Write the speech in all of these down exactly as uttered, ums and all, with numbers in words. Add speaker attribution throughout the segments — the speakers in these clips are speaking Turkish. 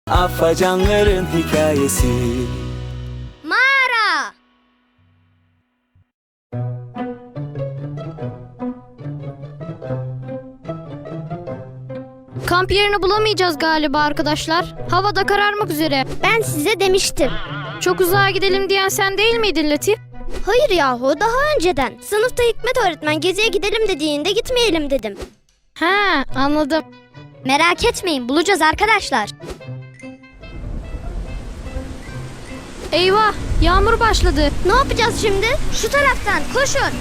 Speaker 1: Afacanların hikayesi.
Speaker 2: Mağara.
Speaker 3: Kamp yerini bulamayacağız galiba arkadaşlar. Hava da kararmak üzere.
Speaker 2: Ben size demiştim.
Speaker 3: Çok uzağa gidelim diyen sen değil miydin Latif?
Speaker 2: Hayır yahu, daha önceden. Sınıfta Hikmet öğretmen geziye gidelim dediğinde gitmeyelim dedim.
Speaker 3: He, anladım.
Speaker 2: Merak etmeyin, bulacağız arkadaşlar.
Speaker 3: Eyvah, yağmur başladı.
Speaker 2: Ne yapacağız şimdi? Şu taraftan koşun.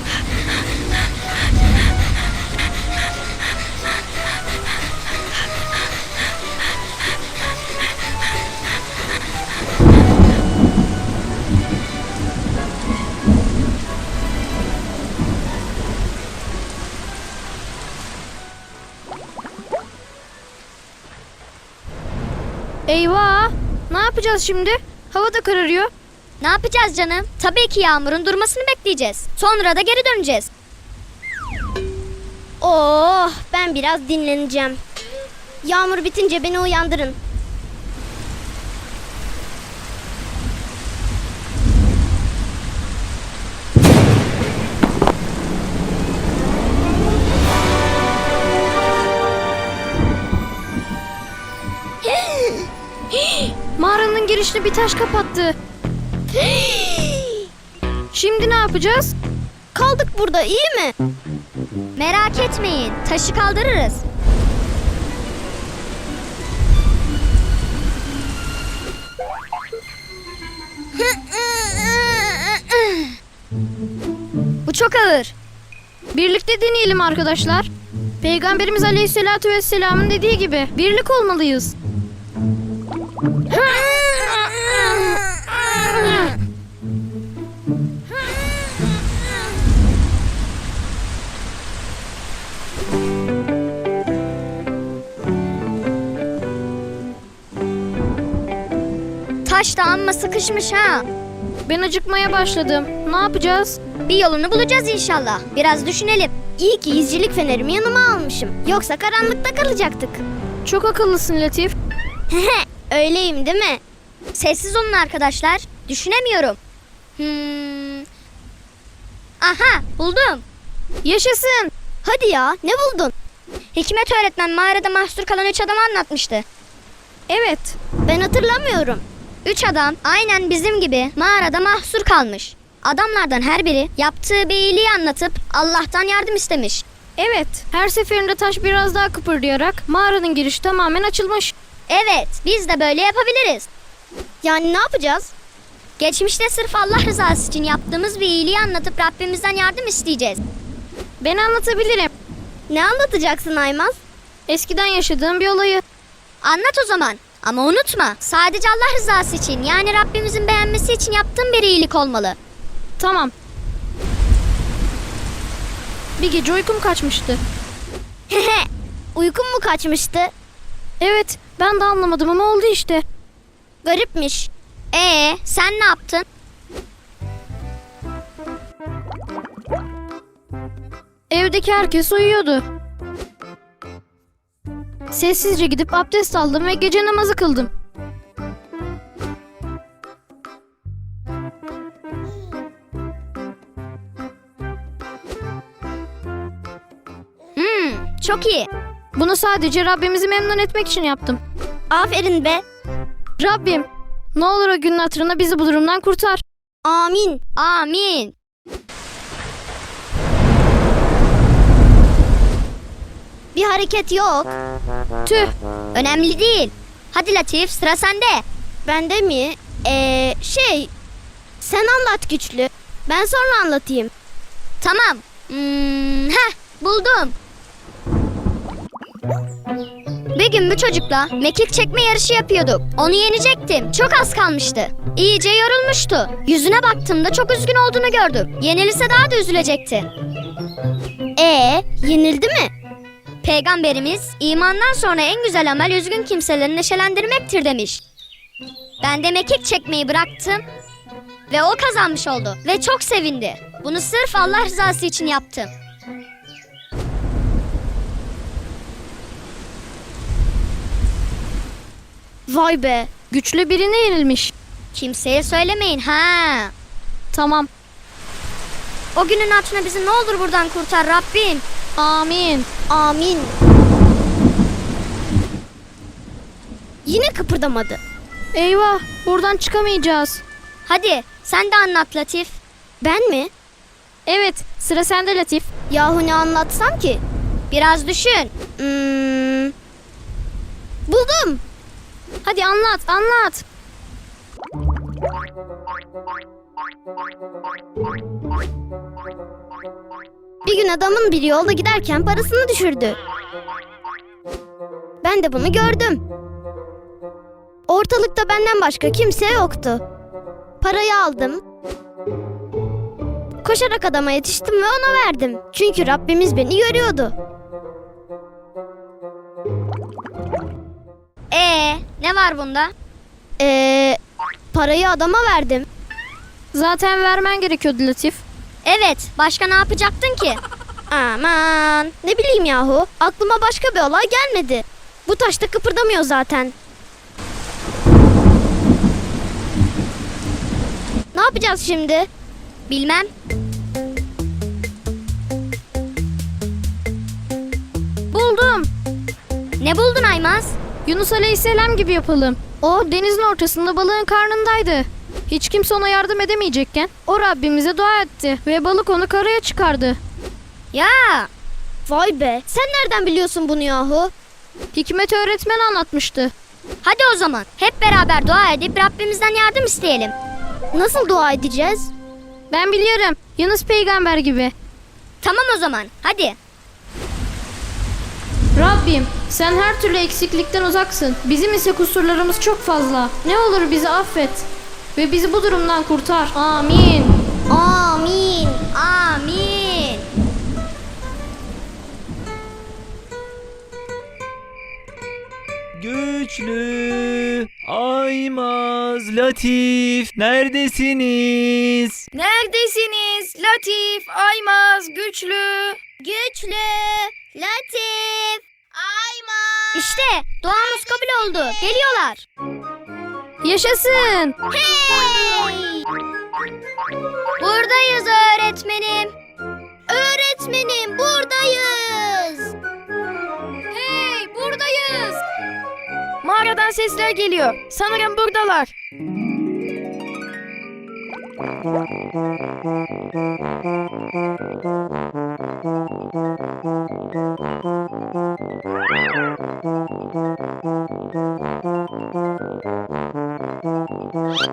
Speaker 3: Eyvah, ne yapacağız şimdi? Hava da kararıyor.
Speaker 2: Ne yapacağız canım? Tabii ki yağmurun durmasını bekleyeceğiz. Sonra da geri döneceğiz. Oh, ben biraz dinleneceğim. Yağmur bitince beni uyandırın.
Speaker 3: Mağaranın girişini bir taş kapattı. Şimdi ne yapacağız?
Speaker 2: Kaldık burada, iyi mi? Merak etmeyin, taşı kaldırırız. Bu çok ağır.
Speaker 3: Birlikte deneyelim arkadaşlar. Peygamberimiz Aleyhisselatü Vesselam'ın dediği gibi birlik olmalıyız.
Speaker 2: Taş da amma sıkışmış ha.
Speaker 3: Ben acıkmaya başladım. Ne yapacağız?
Speaker 2: Bir yolunu bulacağız inşallah. Biraz düşünelim. İyi ki izcilik fenerimi yanıma almışım. Yoksa karanlıkta kalacaktık.
Speaker 3: Çok akıllısın Latif.
Speaker 2: Öyleyim değil mi? Sessiz olun arkadaşlar. Düşünemiyorum. Hmm. Aha, buldum.
Speaker 3: Yaşasın.
Speaker 2: Hadi ya, ne buldun? Hikmet öğretmen mağarada mahsur kalan üç adamı anlatmıştı.
Speaker 3: Evet.
Speaker 2: Ben hatırlamıyorum. Üç adam aynen bizim gibi mağarada mahsur kalmış. Adamlardan her biri yaptığı bir iyiliği anlatıp Allah'tan yardım istemiş.
Speaker 3: Evet. Her seferinde taş biraz daha kıpırdayarak mağaranın girişi tamamen açılmış.
Speaker 2: Evet, biz de böyle yapabiliriz. Yani ne yapacağız? Geçmişte sırf Allah rızası için yaptığımız bir iyiliği anlatıp Rabbimizden yardım isteyeceğiz.
Speaker 3: Ben anlatabilirim.
Speaker 2: Ne anlatacaksın Aymaz?
Speaker 3: Eskiden yaşadığım bir olayı.
Speaker 2: Anlat o zaman. Ama unutma, sadece Allah rızası için, yani Rabbimizin beğenmesi için yaptığın bir iyilik olmalı.
Speaker 3: Tamam. Bir gece uykum kaçmıştı.
Speaker 2: Uykun mu kaçmıştı?
Speaker 3: Evet, ben de anlamadım ama oldu işte.
Speaker 2: Garipmiş. Ee, sen ne yaptın?
Speaker 3: Evdeki herkes uyuyordu. Sessizce gidip abdest aldım ve gece namazı kıldım.
Speaker 2: Hmm, çok iyi.
Speaker 3: Bunu sadece Rabbimizi memnun etmek için yaptım.
Speaker 2: Aferin be.
Speaker 3: Rabbim, ne olur o günün hatırına bizi bu durumdan kurtar.
Speaker 2: Amin. Amin. Bir hareket yok.
Speaker 3: Tüh,
Speaker 2: Önemli değil. Hadi Latif, sıra sende. Bende mi? Ee, şey... Sen anlat güçlü. Ben sonra anlatayım. Tamam. Hmm, heh, buldum. Bir gün bu çocukla mekik çekme yarışı yapıyorduk. Onu yenecektim. Çok az kalmıştı. İyice yorulmuştu. Yüzüne baktığımda çok üzgün olduğunu gördüm. Yenilse daha da üzülecekti. Ee, yenildi mi? Peygamberimiz imandan sonra en güzel amel üzgün kimseleri neşelendirmektir demiş. Ben de mekik çekmeyi bıraktım ve o kazanmış oldu ve çok sevindi. Bunu sırf Allah rızası için yaptım.
Speaker 3: Vay be, güçlü birine yenilmiş.
Speaker 2: Kimseye söylemeyin ha.
Speaker 3: Tamam,
Speaker 2: O günün hatırına bizi ne olur buradan kurtar Rabbim.
Speaker 3: amin.
Speaker 1: Amin. Yine kıpırdamadı.
Speaker 3: Eyvah, buradan çıkamayacağız.
Speaker 2: Hadi sen de anlat Latif.
Speaker 1: Ben mi?
Speaker 3: Evet, sıra sende Latif.
Speaker 1: Yahu ne anlatsam ki?
Speaker 2: Biraz düşün.
Speaker 1: Hmm. Buldum.
Speaker 3: Hadi anlat, anlat.
Speaker 1: Bir gün adamın biri yolda giderken parasını düşürdü. Ben de bunu gördüm. Ortalıkta benden başka kimse yoktu. Parayı aldım. Koşarak adama yetiştim ve ona verdim. Çünkü Rabbimiz beni görüyordu.
Speaker 2: Ee, ne var bunda?
Speaker 1: Ee, parayı adama verdim.
Speaker 3: Zaten vermen gerekiyordu Latif.
Speaker 2: Evet, başka ne yapacaktın ki?
Speaker 1: Aman, ne bileyim yahu. Aklıma başka bir olay gelmedi. Bu taş da kıpırdamıyor zaten. Ne yapacağız şimdi?
Speaker 2: Bilmem.
Speaker 3: Buldum.
Speaker 2: Ne buldun Aymaz?
Speaker 3: Yunus Aleyhisselam gibi yapalım. O denizin ortasında balığın karnındaydı. Hiç kimse ona yardım edemeyecekken o Rabbimize dua etti ve balık onu karaya çıkardı.
Speaker 2: Ya,
Speaker 1: Vay be, sen nereden biliyorsun bunu yahu?
Speaker 3: Hikmet öğretmen anlatmıştı.
Speaker 2: hadi o zaman hep beraber dua edip Rabbimizden yardım isteyelim.
Speaker 1: Nasıl dua edeceğiz?
Speaker 3: Ben biliyorum. Yunus peygamber gibi.
Speaker 2: Tamam o zaman, hadi.
Speaker 3: Rabbim, sen her türlü eksiklikten uzaksın. Bizim ise kusurlarımız çok fazla. Ne olur bizi affet ve bizi bu durumdan kurtar. Amin.
Speaker 1: Amin.
Speaker 2: Amin.
Speaker 4: Güçlü, Aymaz, Latif, neredesiniz?
Speaker 3: Neredesiniz? Latif, Aymaz, Güçlü.
Speaker 1: Güçlü, Latif, Aymaz.
Speaker 2: İşte duamız kabul oldu. Geliyorlar.
Speaker 3: Yaşasın.
Speaker 2: Hey! Buradayız öğretmenim.
Speaker 1: Öğretmenim buradayız.
Speaker 3: Hey, buradayız. Mağaradan sesler geliyor. Sanırım buradalar.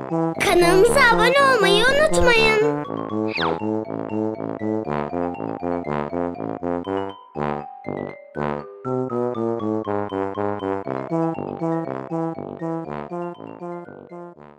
Speaker 1: Kanalımıza abone olmayı unutmayın.